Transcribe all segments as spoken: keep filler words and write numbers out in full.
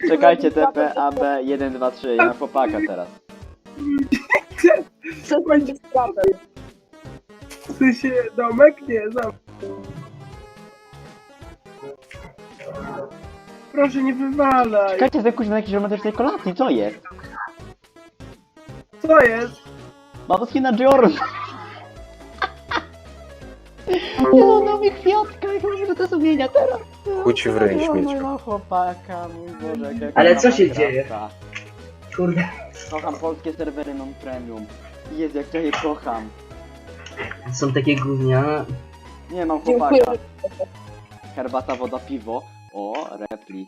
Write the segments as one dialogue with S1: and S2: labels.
S1: Czekajcie, T P, A, B, jeden, dwa, trzy, ja mam chłopaka teraz.
S2: Co będzie z prawem?
S3: W sensie domek? Nie, zamek. Proszę, nie wywalaj.
S1: Czekajcie, za kuźwa jakiejś romantycznej kolacji, co jest?
S3: Co jest?
S1: Babowski na Jordan. Nie no, dał mi kwiatka, jak może to sumienia teraz.
S4: Chuć w ryj,
S1: Ja
S4: śmieciu.
S1: mam chłopaka, mój Boże, jak ja
S5: Ale
S1: kocham
S5: co się
S1: Minecrafta.
S5: dzieje? Kurde.
S1: Kocham polskie serwery non-premium. Jezu, jak ja je kocham.
S5: Są takie gównia.
S1: Nie, mam
S2: Dziękuję.
S1: chłopaka. Herbata, woda, piwo. O, repli.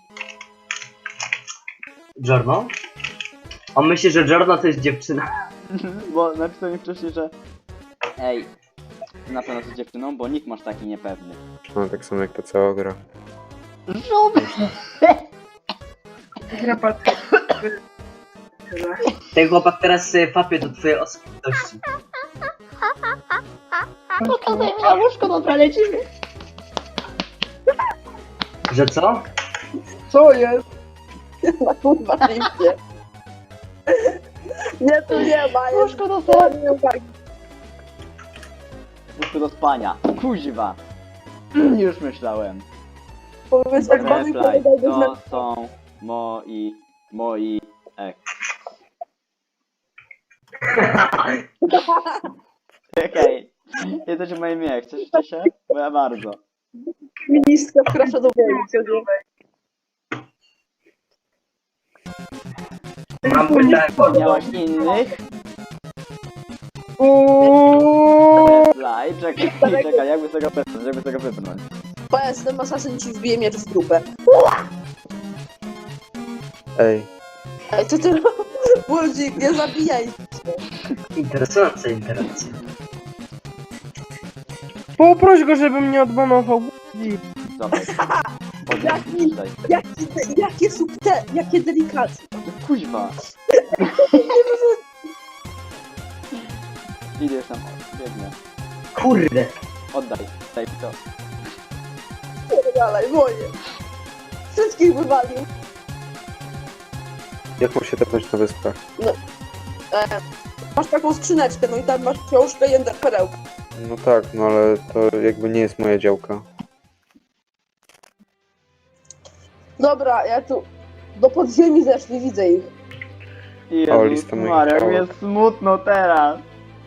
S5: Giorno? On myśli, że Giorno to jest dziewczyna.
S1: Bo napisał mi wcześniej, że... Ej, ty na pewno jesteś dziewczyną, bo nikt masz taki niepewny.
S4: No tak samo jak ta cała gra.
S1: Żoby!
S3: Grapat.
S5: Ten chłopak teraz y, fapie do twojej osobliwości.
S1: Pokazaj mi na łóżko, dobra, lecimy.
S5: Że co?
S3: Co jest?
S2: Na kurwa liście. Nie, tu nie ma. Jest
S1: Łóżko do spania.
S2: nie uwagi.
S1: Łóżko do spania. Kuźwa. Już myślałem.
S2: Powiedz, jak mamy
S1: Replay,
S2: powiedział,
S1: to są moi... moi... ek. Okej. Jesteście moim imię, chcecie się? Bo ja bardzo.
S2: ministra wkracza do wojny.
S5: Mam pytanie.
S1: Miałaś innych?
S3: Uuuu.
S1: Replay, czekaj, czekaj, jakby z tego wypchnąć, jakby z tego wypchnąć.
S2: Powiedz, ten asasyn ci wbije miecz w dupę.
S4: Ej,
S2: Ej, co ty Budzik, nie zabijaj.
S5: Interesująca interakcja.
S3: Poproś go, żeby mnie odbanował.
S1: Dobra.
S2: Jaki-
S1: Tutaj.
S2: Jakie, jakie subte, jakie delikatne.
S1: Kuźwa. Idę już tam, biegnę.
S5: Kurde.
S1: Oddaj, daj mi to.
S2: Dalej, moje. Wszystkich wywalił.
S4: jak mam się tepnąć na wyspach?
S2: E, masz taką skrzyneczkę, no i tam masz książkę i ender perełkę.
S4: No tak, no ale to jakby nie jest moja działka.
S2: Dobra, ja tu do podziemi zeszli, widzę ich.
S1: Jezus
S4: lista moich
S1: Maria, jak mi
S4: działek.
S1: jest smutno teraz.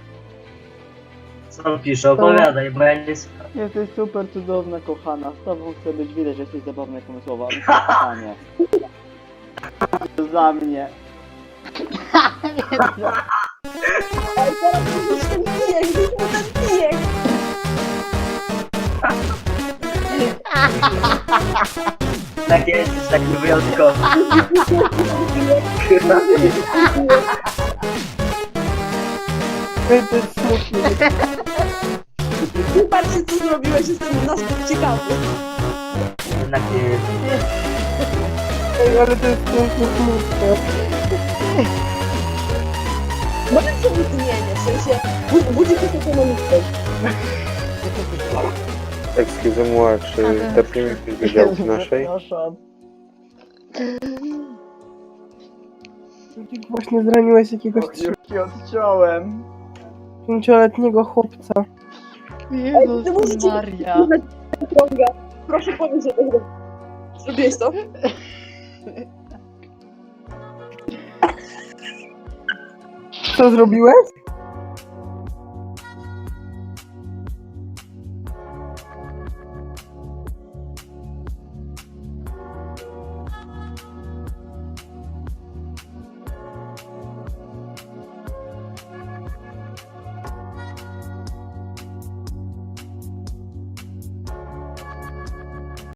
S5: Co on pisze? Opowiadaj, bo ja nie słucham.
S1: Jesteś super cudowna, kochana. Z tobą chcę być, widać, że jesteś zabawna i pomysłowa. Ale kochanie. Za mnie.
S2: Ej, teraz już ten pijek, już mu ten pijek.
S5: Tak jesteś taki wyjątkowy.
S3: Ej, to jest smutne.
S2: Patrzcie, co zrobiłeś, jestem na skok ciekawy.
S5: Jednak nie jest.
S3: Ej, ale to jest pięknie smutne.
S2: Może się wytnienie, w sensie bu- budzik jest ekonomiczny.
S4: Excuse moi, czy tepniemy gdzieś do działki naszej?
S1: Przepraszam.
S3: Właśnie zraniłeś jakiegoś
S1: Już ci odciąłem.
S3: pięcioletniego chłopca.
S1: Jezus Maria.
S2: Ciąga. Proszę powiedz, że to zro- zrobiłeś to.
S3: Co zrobiłeś?